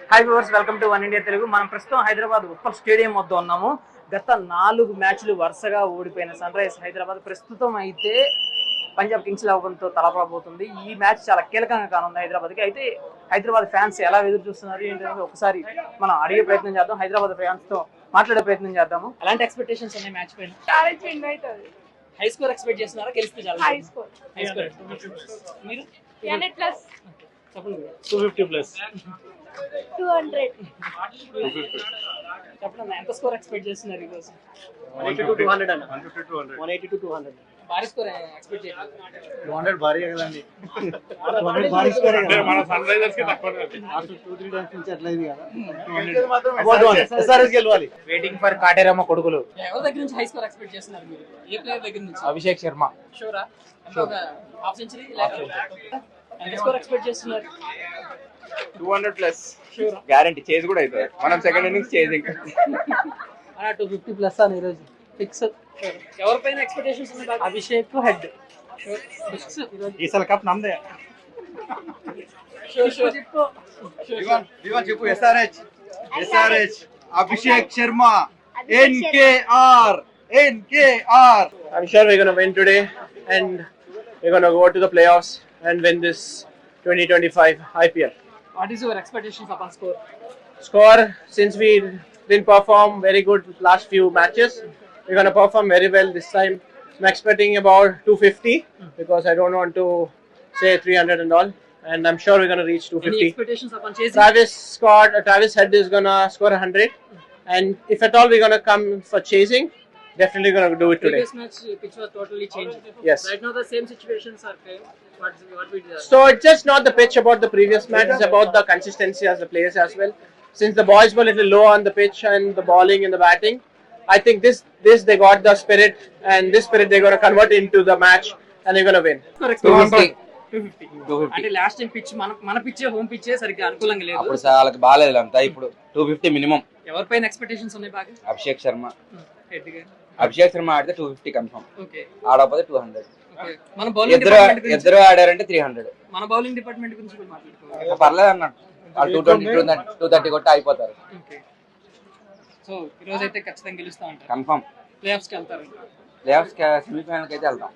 Hi viewers, welcome to One India Telugu. మనం ప్రస్తుతం Hyderabad Uppal stadium వద్ద ఉన్నాము. గత 4 మ్యాచ్లు వరుసగా ఓడిపోయిన సన్ రైజర్స్ హైదరాబాద్ ప్రస్తుతం అయితే పంజాబ్ కింగ్స్ 11తో తలపడబోతుంది. ఈ మ్యాచ్ చాలా కీలకంగా కానుంది హైదరాబాద్కి. అయితే హైదరాబాద్ ఫ్యాన్స్ ఎలా ఎదురు చూస్తున్నారు ఏంటంటే ఒకసారి మనం అడిగే ప్రయత్నం చేద్దాం. హైదరాబాద్ ఫ్యాన్స్ తో మాట్లాడే ప్రయత్నం చేద్దాము. ఎలాంటి ఎక్స్పెక్టేషన్స్ ఉన్నాయి మ్యాచ్ పైన? హై స్కోర్ ఎక్స్పెక్ట్ చేస్తున్నారా? గెలిస్తే చాలా హై స్కోర్. మీరు 200+. చెప్పండి. 250+. 200. చెప్పండి, ఎంత స్కోర్ ఎక్స్పెక్ట్ చేస్తున్నారు ఈ రోజు? 180 to 200 అన్న. 180 to 200. భారీ స్కోర్ ఎక్స్పెక్ట్ చేయాలి. 200 భారీ కదండి. 200 భారీ స్కోర్ కదా. మన సన్ రైజర్స్ కి తక్కువ కాదు. ఆఫ్టర్ 2-3 టైమ్స్ నుంచి అట్లా ఇది కదా. 200 SRS గెలవాలి. వెయిటింగ్ ఫర్ కాటేరమ్మ కొడుకులు. ఎవరి దగ్గర నుంచి హై స్కోర్ ఎక్స్పెక్ట్ చేస్తున్నారు మీరు? ఏ ప్లేయర్ దగ్గర నుంచి? అభిషేక్ శర్మ. షూరా? ఒక హాఫ్ సెంచరీ ఎంత స్కోర్ ఎక్స్పెక్ట్ చేస్తున్నారు? 200+. షూరా? గ్యారంటీ చేజ్ కూడా అవుతుంది. మనం సెకండ్ ఇన్నింగ్స్ చేజింగ్. 250+ అని ఈరోజు ఫిక్స్. ఎవరిపైన ఎక్స్పెక్టేషన్స్ ఉన్నాయి? అభిషేక్ హెడ్ ఫిక్స్ ఈరోజు. ఈసారి కప్ నమ్మదే. చెప్పు. చెప్పు. SRH Abhishek Sharma NKR. I'm sure we're going to win today and we're going to go to the playoffs and win this 2025 IPL. What is your expectations upon score? Score, since we didn't perform very good last few matches, we're going to perform very well this time. I'm expecting about 250 because I don't want to say 300 and all, and I'm sure we're going to reach 250. Any expectations upon chasing? Travis Head is going to score 100, and if at all we're going to come for chasing, definitely going to do it today. Previous match pitch was totally changed. Yes. Right now the same situations are playing. What we did? So it's just not the pitch about the previous match, it's about the consistency as the players as well. Since the boys were a little low on the pitch and the bowling and the batting, I think this they got the spirit, and this spirit they're going to convert into the match and they're going to win. 250. అంటే last time pitch మన పిచ్చే home పిచ్చే సరిగ్గా అనుకూలంగా లేదు. అప్పుడు వాళ్ళకి బాగాలేదు అంతా. ఇప్పుడు 250 మినిమం. ఎవరిపైన ఎక్స్పెక్టేషన్స్ ఉన్నాయి బాగా? అభిషేక్ శర్మ. హెడ్ గా అభిషేక్ శర్మ ఆడితే 250 కన్ఫర్మ్. ఓకే. ఆడకపోతే 200. ఓకే. మన బౌలింగ్ డిపార్ట్మెంట్ గురించి, ఇద్దరు ఆడారంటే 300. మన బౌలింగ్ డిపార్ట్మెంట్ గురించి కూడా మాట్లాడుకోవాలి. పర్లేదు అన్నాడు. 220 కొట్టి అయిపోతారు. ఓకే. సో ఈ రోజు అయితే ఖచ్చితంగా గెలుస్తా ఉంటారు. కన్ఫర్మ్. ప్లేఆఫ్స్ కి వెళ్తారు. ప్లేఆఫ్స్ సెమీఫైనల్ కి అయితే వెళ్తాం.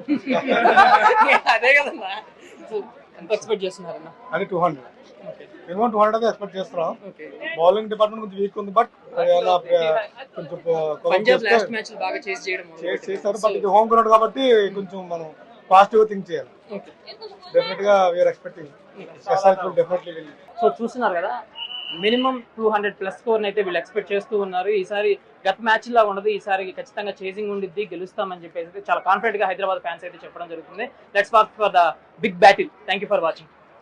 అదే కదన్నా. సో ఎంత ఎక్స్పెక్ట్ చేస్తున్నారన్న? అది 200. మినిమం 200 అయితే ఎక్స్పెక్ట్ చేస్తున్నాం. ఓకే. బౌలింగ్ డిపార్ట్మెంట్ కొంచెం వీక్ ఉంది, బట్ కొంచెం పంజాబ్ లాస్ట్ మ్యాచ్ బాగా చేసి చేయడం చేస్తారు. బట్ ఇది హోమ్ గ్రౌండ్ కాబట్టి కొంచెం మనం పాజిటివ్ థింక్ చేయాలి. ఓకే. డెఫినెట్ గా we are expecting SRH will definitely win. So చూస్తున్నారు కదా, మినిమం 200+ స్కోర్ అయితే వీళ్ళు ఎక్స్పెక్ట్ చేస్తూ ఉన్నారు. ఈసారి గత మ్యాచ్ లా ఉండదు, ఈసారి ఖచ్చితంగా చేసింగ్ ఉండిద్ది, గెలుస్తామని చెప్పేసి చాలా కాన్ఫిడెంట్ గా హైదరాబాద్ ఫ్యాన్స్ అయితే చెప్పడం జరుగుతుంది. Let's watch for the big battle. Thank you for watching.